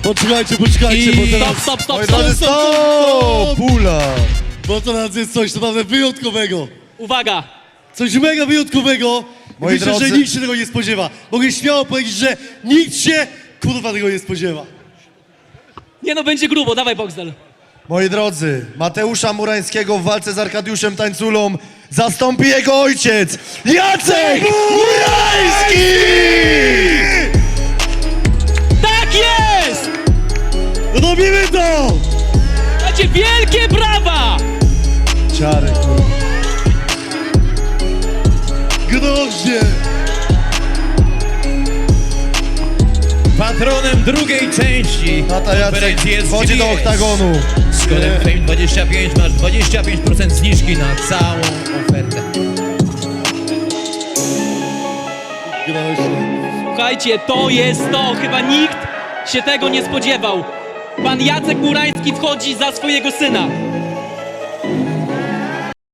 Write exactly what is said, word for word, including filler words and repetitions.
Poczekajcie, poczekajcie, I- bo teraz... Stop, stop, stop, Moi stop, drodzy, stop. stop! Pula! Bo teraz jest coś naprawdę wyjątkowego. Uwaga! Coś mega wyjątkowego. Moi Myślę, drodzy- że nikt się tego nie spodziewa. Mogę śmiało powiedzieć, że nikt się, kurwa, tego nie spodziewa. Nie no, będzie grubo, dawaj Boxdel. Moi drodzy, Mateusza Murańskiego w walce z Arkadiuszem Tańculą zastąpi jego ojciec, Jacek Murański! Tak jest! Robimy to! Macie wielkie brawa! Ciary, kurwa. Groźnie! Patronem drugiej części Tata Jacek konferencji jest wchodzi do G B S. oktagonu. Z kodem Fame dwadzieścia pięć masz dwadzieścia pięć procent zniżki na całą ofertę. Groźnie. Słuchajcie, to jest to. Chyba nikt się tego nie spodziewał. Pan Jacek Murański wchodzi za swojego syna.